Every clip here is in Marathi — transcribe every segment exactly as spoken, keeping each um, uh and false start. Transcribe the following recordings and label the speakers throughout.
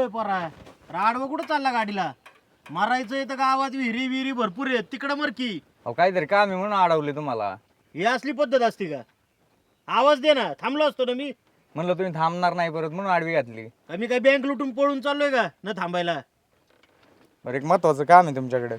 Speaker 1: ओय पोरा, राडवं कुठं चालला गाडीला? मारायचं तर गावात विहिरी विहिरी भरपूर आहेत, तिकडं मर की.
Speaker 2: अहो काहीतरी काम आहे म्हणून अडवले तुम्हाला.
Speaker 1: ही असली पद्धत असते का? आवाज दे ना, थांबलो असतो ना मी.
Speaker 2: म्हणलं तुम्ही थांबणार नाही परत म्हणून आडवी घातली.
Speaker 1: आम्ही काय बँक लुटून पळून चाललोय का न थांबायला?
Speaker 2: बरं एक महत्वाचं काम आहे तुमच्याकडे.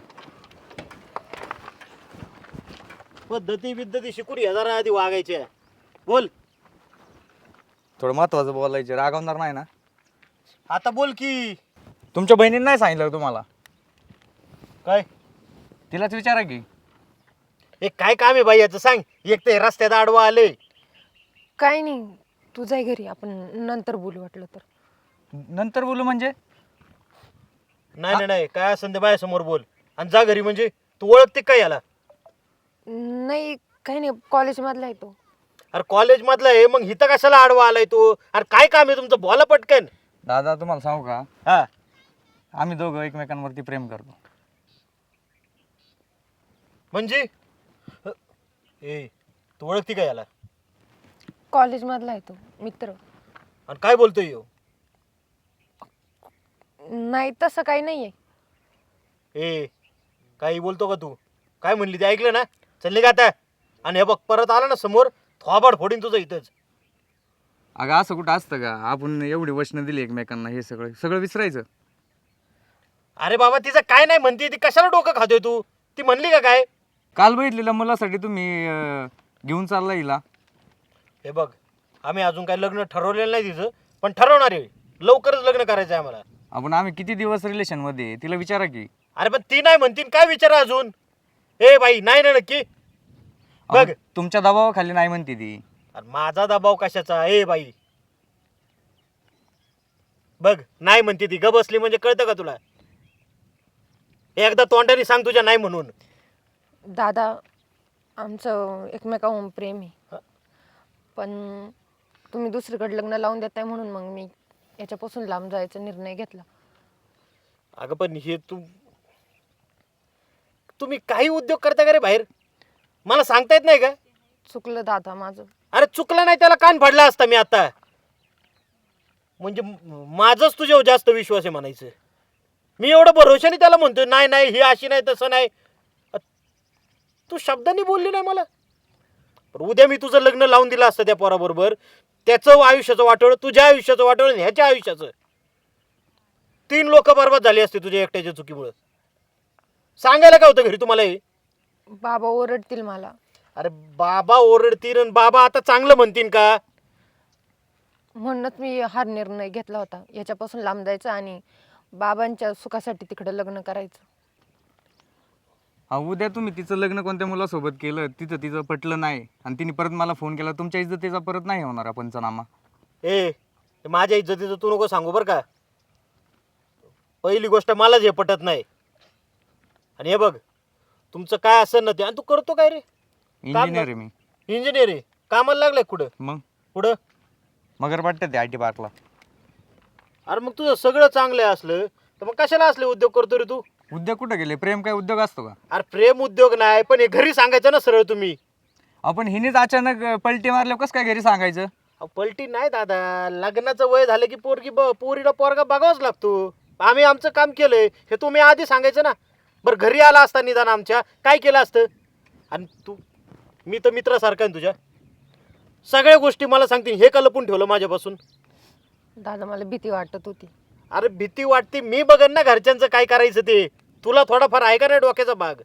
Speaker 1: पद्धती बिद्धती शिकून या जरा आधी वागायच्या. बोल.
Speaker 2: थोडं महत्वाचं बोलायचं, रागवणार नाही ना?
Speaker 1: आता बोल की.
Speaker 2: तुमच्या बहिणीने नाही सांगितलं तुम्हाला?
Speaker 1: काय
Speaker 2: तिलाच विचारा की.
Speaker 1: हे काय काम आहे बाई याचं सांग. एक ते रस्त्यात आडवा आले.
Speaker 3: काय नाही, तू जाय घरी, आपण नंतर बोलू वाटलं तर.
Speaker 2: नंतर बोलू म्हणजे?
Speaker 1: नाही नाही नाही, काय असं ते बायासमोर बोल. आणि जा घरी. म्हणजे तू ओळखते काय याला?
Speaker 3: नाही काही नाही, कॉलेजमधला आहे तो.
Speaker 1: अरे कॉलेज मधला आहे, मग इथं कशाला आडवा आलाय तू? अरे काय काम आहे तुमचं? बोला पटकन.
Speaker 2: दादा तुम्हाला सांगू का,
Speaker 1: हा,
Speaker 2: आम्ही दोघं एकमेकांवरती प्रेम करतो.
Speaker 1: म्हणजे ए तू ओळखते काय याला?
Speaker 3: कॉलेजमधला आहे तो मित्र.
Speaker 1: आणि काय बोलतोय ह्यो?
Speaker 3: नाही तसं काही नाही आहे.
Speaker 1: ए काही बोलतो का तू? काय म्हणली ते ऐकलं ना? चलले का आता? आणि हे बघ परत आला ना समोर, थोबाड फोडीन तुझं इथंच.
Speaker 2: अगं असं कुठं असतं का? आपण एवढी वचनं दिली एकमेकांना, हे सगळं सगळं विसरायचं.
Speaker 1: अरे बाबा तिचं काय नाही म्हणते ती, कशाला डोकं खातोय तू? ती म्हणली का काय?
Speaker 2: काल बघितलेल्या मुलासाठी तुम्ही अं, घेऊन चालला हिला.
Speaker 1: हे बघ आम्ही अजून काही लग्न ठरवलेलं नाही तिचं, पण ठरवणार आहे. लवकरच लग्न करायचं आहे आम्हाला.
Speaker 2: आपण आम्ही किती दिवस रिलेशनमध्ये आहे, तिला विचारा की.
Speaker 1: अरे पण ती नाही म्हणतीन, काय विचारा अजून? ए बाई नाही ना नक्की? बघ
Speaker 2: अहो, तुमच्या दबावाखाली नाही म्हणते ती.
Speaker 1: अरे माझा दबाव कशाचा? ए बाई बघ नाही म्हणते ती. ग बसली म्हणजे कळतं का तुला? एकदा तोंडाने सांग तुझ्या नाही म्हणून.
Speaker 3: दादा, आमचं एकमेकाहून प्रेम आहे, पण तुम्ही दुसरीकडे लग्न लावून देताय म्हणून मग मी याच्यापासून लांब जायचा निर्णय घेतला.
Speaker 1: अगं पण हे तू तुम्ही काही उद्योग करता का रे बाहेर? मला सांगता येत नाही का?
Speaker 3: चुकलं दादा माझं.
Speaker 1: अरे चुकलं नाही त्याला कान फाडला असता मी आता. म्हणजे माझंच तुझ्यावर जास्त विश्वास आहे म्हणायचं. मी एवढं भरोशाने त्याला म्हणतोय नाही नाही ही अशी नाही तसं नाही. तू शब्दांनी बोलली नाही मला. पण उद्या मी तुझं लग्न लावून दिलं असतं त्या पोराबरोबर, त्याचं आयुष्याचं वाटोळं, तुझ्या आयुष्याचं वाटोळं आणि ह्याच्या आयुष्याचं. तीन लोक बरबाद झाली असते तुझ्या एकट्याच्या चुकीमुळे. सांगायला काय होतं घरी तुम्हाला हे?
Speaker 3: बाबा ओरडतील मला.
Speaker 1: अरे बाबा ओरडतील आणि बाबा आता चांगलं म्हणतील का?
Speaker 3: म्हणूनच मी हा निर्णय घेतला होता, याच्यापासून लांब जायचं आणि बाबांच्या सुखासाठी तिकडे लग्न करायचं.
Speaker 2: अहो उद्या तुम्ही तिचं लग्न कोणत्या मुलासोबत केलं, तिथं तिचं पटलं नाही आणि तिने परत मला फोन केला, तुमच्या इज्जतीचा परत नाही होणार पंचनामा.
Speaker 1: ए माझ्या इज्जतीचं तू नको सांगू बरं का. पहिली गोष्ट मलाच हे पटत नाही. आणि हे बघ तुमचं काय असं नव्हते. आणि तू करतो काय रे?
Speaker 2: इंजिनियर आहे मी.
Speaker 1: इंजिनियर आहे? कामाला लागलाय कुठं?
Speaker 2: मग
Speaker 1: कुठं?
Speaker 2: मगर वाटतं ते आय टी पार्कला.
Speaker 1: अरे मग तुझं सगळं चांगलं असलं तर मग कशाला असले उद्योग करतो रे तू?
Speaker 2: उद्योग कुठं गेले? प्रेम काय उद्योग असतो का?
Speaker 1: अरे प्रेम उद्योग नाही, पण हे घरी सांगायचं ना सरळ तुम्ही.
Speaker 2: आपण हिनेच अचानक पलटी मारल्या कसं काय घरी सांगायचं?
Speaker 1: अहो, पलटी नाही दादा. लग्नाचं वय झालं की पोरगी ब पोरीला पोरगा बघावाच लागतो. आम्ही आमचं काम केलंय हे तुम्ही आधी सांगायचं ना. बरं घरी आला असता निदान आमच्या, काय केलं असतं? आणि तू मी तर मित्रासारखा आहे तुझ्या. सगळ्या गोष्टी मला सांगतील. हे का लपून ठेवलं माझ्यापासून?
Speaker 3: दादा मला भीती वाटत होती.
Speaker 1: अरे भीती वाटते, मी बघन ना घरच्यांचं काय करायचं ते. तुला थोडाफार आहे का नाही डोक्याचा भाग?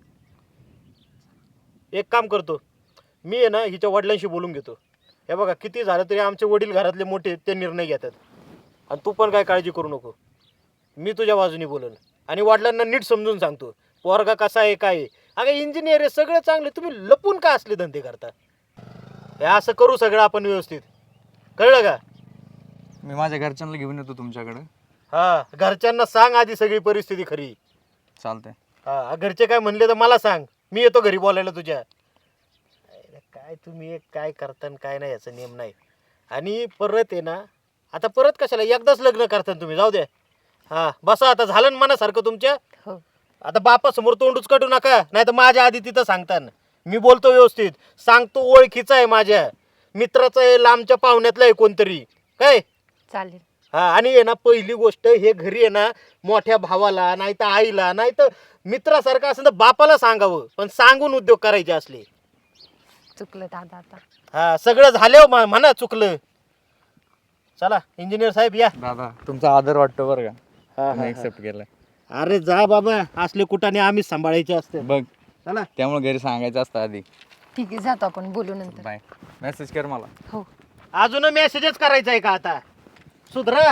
Speaker 1: एक काम करतो मी आहे ना, हिच्या वडिलांशी बोलून घेतो. हे बघा किती झालं तरी आमचे वडील घरातले मोठे, ते निर्णय घेतात. आणि तू पण काय काळजी करू नको. मी तुझ्या बाजूने बोलन आणि वडिलांना नीट समजून सांगतो पोरगा कसा आहे काय आहे. अगं इंजिनियर आहे, सगळं चांगलं, तुम्ही लपून का असले धंदे करता? हे असं करू सगळं आपण व्यवस्थित. कळलं का?
Speaker 2: मी माझ्या घरच्यांना घेऊन येतो तुमच्याकडे.
Speaker 1: हा घरच्यांना सांग आधी सगळी परिस्थिती खरी.
Speaker 2: चालतंय.
Speaker 1: हा घरचे काय म्हणले तर मला सांग, मी येतो घरी बोलायला तुझ्या. अरे काय तुम्ही एक काय करता आणि काय नाही याचा नियम नाही. आणि परत आहे ना, आता परत कशाला, एकदाच लग्न करता तुम्ही, जाऊ द्या. हा बसा आता, झालं ना मनासारखं तुमच्या.
Speaker 3: हो
Speaker 1: आता बापासमोर तोंडूच काढू नका, नाही तर माझ्या आधी तिथं सांगता ना. मी बोलतो व्यवस्थित सांगतो, ओळखीचा आहे माझ्या मित्राचा आहे, लांबच्या पाहुण्यातला आहे कोणतरी. काय
Speaker 3: चालेल.
Speaker 1: हा आणि आहे ना पहिली गोष्ट हे घरी आहे ना मोठ्या भावाला नाही तर आईला नाही तर मित्रासारखं असं तर बापाला सांगावं पण सांगून उद्योग करायचे असले.
Speaker 3: चुकलं दादा आता.
Speaker 1: हा सगळं झालं म- म्हणा चुकलं. चला इंजिनियर साहेब या.
Speaker 2: दादा तुमचा आदर वाटतो बरं का
Speaker 1: हा, हा,
Speaker 2: तुम्ही
Speaker 1: हा.
Speaker 2: एक्सेप्ट केलाय.
Speaker 1: अरे जा बाबा असले कुठाने आम्हीच सांभाळायचे असते.
Speaker 2: बघ
Speaker 1: चला
Speaker 2: त्यामुळे घरी सांगायचं असतं आधी.
Speaker 3: ठीक आहे जातो आपण बोलू नंतर.
Speaker 2: बाय. मेसेज कर मला.
Speaker 3: हो.
Speaker 1: अजून मेसेजच करायचा आहे का आता सुधरा.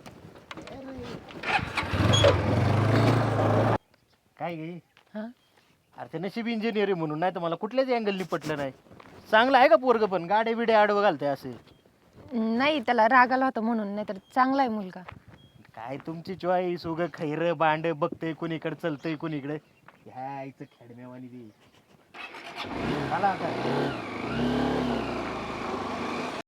Speaker 1: काय गे
Speaker 3: हा
Speaker 1: अरे ते नशीब इंजिनियर म्हणून नाही तर मला कुठल्याच अँगलनी पटलं नाही. चांगलं आहे का पोरग पण गाडे बिडे आडवं घालते असे.
Speaker 3: नाही त्याला राग आला होता म्हणून, नाही तर चांगला आहे मुलगा.
Speaker 1: काय तुमची चॉईस उग खैर बांड बघतय कोणीकडे चलतय कोणीकडे ह्या आईचं खेडम्यावानी दे. चला आता